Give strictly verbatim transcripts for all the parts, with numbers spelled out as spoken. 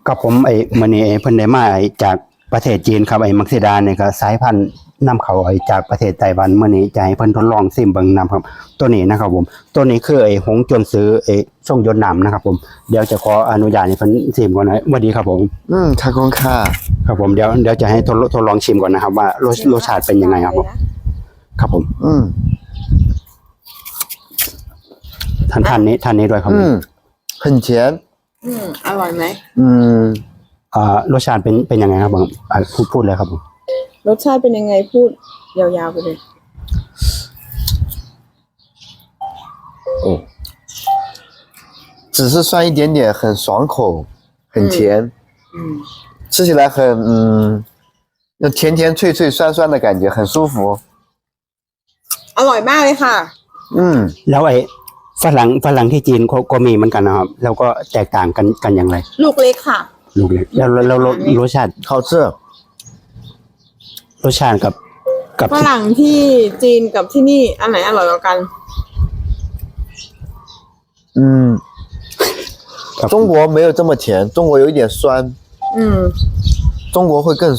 กับผมไอ้มื้อนี้เพิ่นได้มาไอ้จากประเทศจีนครับไอ้มักซิดาเนี่ยก็สายพันธุ์นำเข้าไอ้จากประเทศไต้หวันมื้อนี้จะให้เพิ่นทดลองชิมเบิ่งนำครับตัวนี้นะครับผมตัวนี้คือไอ้หงจวนซื้อไอ้ทรงยนต์น้ำนะครับผมเดี๋ยวจะขออนุญาตให้เพิ่นชิมก่อนนะสวัสดีครับผมอืมขอบคุณค่ะครับผมเดี๋ยวเดี๋ยวจะให้ทดทดลองชิมก่อนนะครับว่ารสรสชาติเป็นยังไงครับผมครับผมอืมท่านท่านนี้ท่านนี้ด้วยครับอืม很甜อืมอร่อยไหมอืมอ่ารสชาติเป็นเป็นยังไงครับผมอ่าพูดพูดเลยครับผมรสชาติเป็นยังไงพูดยาวๆไปเลย哦只是酸一点点很爽口很甜อืม吃起来很嗯那甜甜脆脆酸酸的感觉很舒服อร่อยมากเลยค่ะอืมแล้วไอ้ฝรั่งฝรั่งที่จีนเขาก็มีเหมือนกันนะครับแล้วก็แตกต่างกันกันอย่างไรลูกเล็กค่ะลูกเล็กแล้วแล้วแล้วรสชาติ好吃รสชาติกับกับฝรั่งที่จีนกับที่นี่อันไหนอร่อยกว่ากัน嗯中国没有这么甜中国有一点酸อืม中国会更酸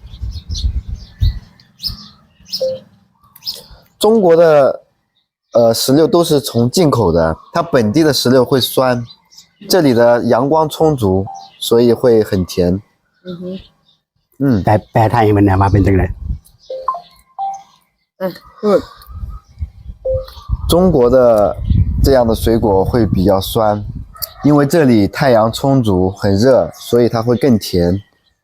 中国的呃，石榴都是从进口的，它本地的石榴会酸，这里的阳光充足，所以会很甜。 嗯哼， 嗯，แปลแปลไทยมันมาเป็นจังได๋嗯，good。 中国的这样的水果会比较酸，因为这里太阳充足，很热，所以它会更甜。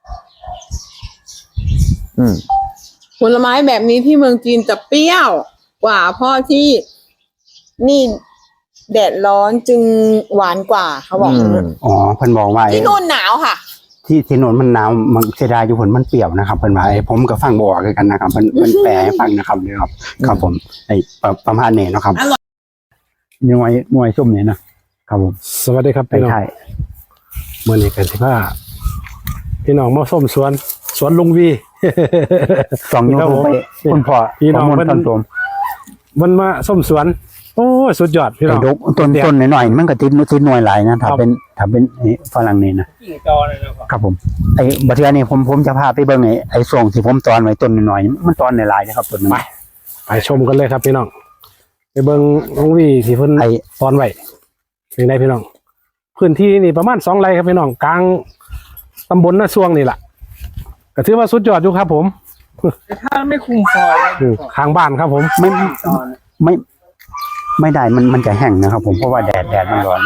嗯， ผลไม้แบบนี้ที่เมืองจีนจะเปรี้ยวกว่าเพราะที่นี่แดดร้อนจึงหวานกว่าเขาบอกอ๋อเพิ่นบอกว่าที่นู่นหนาวค่ะที่ที่โน่นมันหนาวมันเสียดายอยู่ผลมันเปรี้ยวนะครับเพิ่นว่าไอ้ผมก็ฟังบ่ออกกันนะครับเพิ่นเพิ่นแปลให้ฟังนะครับเด้อครับครับผมไอ้ประมาณนี้เนาะครับหน่วยหน่วยส้มนี่นะครับผมสวัสดีครับพี่น้องมื้อนี้กันสิพาพี่น้องมาส้มสวนสวนลุงวีสองยูทูบไปคุณพ่อพี่น้องมันมันมาส้มสวนโอ้สุดยอดพี่น้องต้นต้นหน่อยๆมันก็ติดติดหน่วยหลายนะถ้าเป็นถ้าเป็นฝรั่งนี่นะนะครับผมไอ้บัดเทื่อนี้ผมผมจะพาไปเบิ่งไอ้ไอ้ช่วงที่ผมตอนไว้ต้นหน่อยๆมันตอนหลายๆนะครับต้นนึงไปไปชมกันเลยครับพี่น้องไปเบิ่งลุงวีที่เพิ่นไอ้ตอนไว้เป็นไงพี่น้องพื้นที่นี่ประมาณสองไร่ครับพี่น้องกลางตำบลนาช่วงนี่แหละก็ถือว่าสุดยอดอยู่ครับผมถ้าไม่คุมฟอยข้างบ้านครับผมไม่ไม่ไม่ได้มันมันจะแห้งนะครับผมเพราะว่าแดดแดดมันร้อน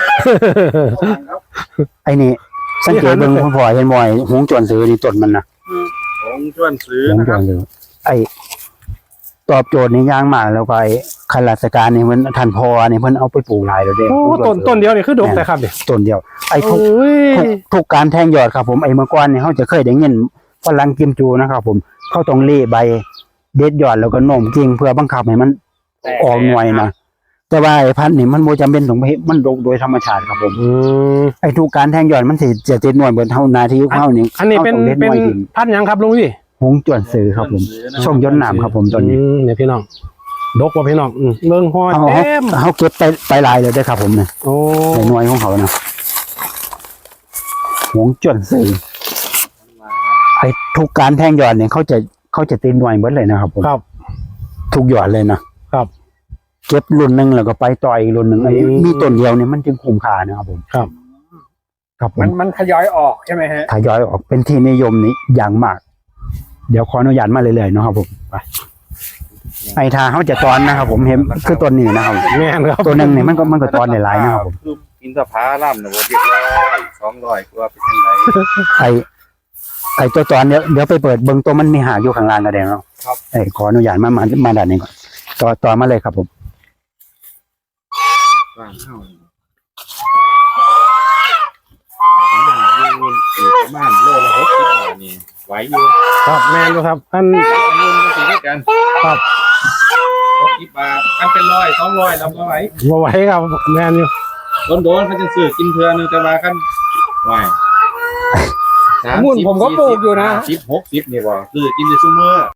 ไอ้นี่สังเกตเบิ่งคุณพ่อเห็นบ่อยหงจวนซื้อนี่ต้นมันนะหงจวนซื้อหงจวนซื้อไอ้ตอบโจทย์ในย่างมากแล้วก็ไอ้ข้าราชการนี่มันท่านพ่อนี่เพิ่นเอาไปปลูกหลายแล้วเด้โอ้ต้นต้นเดียวนี่คือดกแต่ครับนี่ต้นเดียวไอ้ทุกทุกการแทงยอดครับผมไอ้เมื่อก่อนนี่เฮาจะเคยได้ยินฝรั่งกิมจูนะครับผมเขาต้องเล่ใบเด็ดยอดแล้วก็โน้มกิ่งเพื่อบังคับให้มันออกหน่วยนะแต่ว่าไอ้พันธุ์นี่มันบ่จำเป็นต้องมันดกโดยธรรมชาติครับผมไอ้ทุกการแทงยอดมันสิจะติดหน่วยเบิดเท่านาทีเฮานี่อันนี้เป็นเป็นพันธุ์หยังครับลุงพี่หงจวนซื้อครับผมช่องย้อนน้ำครับผมตัวนี้เนี่ยพี่น้องดกว่าพี่น้องเบิ่งฮอดเต็มเฮาเก็บไปไปหลายเลยเด้อครับผมเนี่ยโอ้ในหน่วยของเขานะหงจวนซื้อไอ้ทุกการแทงยอดเนี่ยเขาจะเขาจะติดหน่วยเบิดเลยนะครับผมครับทุกยอดเลยนะครับเก็บรุ่นนึงแล้วก็ไปต่ออีกรุ่นนึงไอ้มีต้นเดียวเนี่ยมันจึงคุ้มค่านะครับผมครับครับมันมันทยอยออกใช่ไหมฮะทยอยออกเป็นที่นิยมนี้อย่างมากเดี๋ยวขออนุญาตมาเรื่อยๆเนาะครับผมไปไอ้ทาเขาจะตอนนะครับผมเห็นคือต้นนี้นะครับแม่นครับตัวนึงเนี่ยมันก็มันก็ตอนหลายๆนะครับผมอินทผลัมนะบ่เรียบร้อยสองร้อยกว่าเป็นจังไดไอ้ไอ้ตัวตอนเดี๋ยวเดี๋ยวไปเปิดเบิ่งตัวมันมีหากอยู่ข้างล่างก็ได้เนาะครับไอ้ขออนุญาตมามามาด้านนี้ก่อนต่อต่อมาเลยครับผมวางเข้าประมาณโลละหกสิบบาทนี่ไหวอยู่ครับแม่นอยู่ครับอันเงินมันสิได้กันครับหกสิบบาทอันเป็นร้อยสองร้อยรับบ่ไหวบ่ไหวครับแม่นอยู่โดนๆเขาจะซื้อกินเทื่อนึงแต่ว่ากันไหวมุ่นผมก็ปลูกอยู่นะสิบ หกสิบนี่บ่ซื้อกินได้ซุมื้อ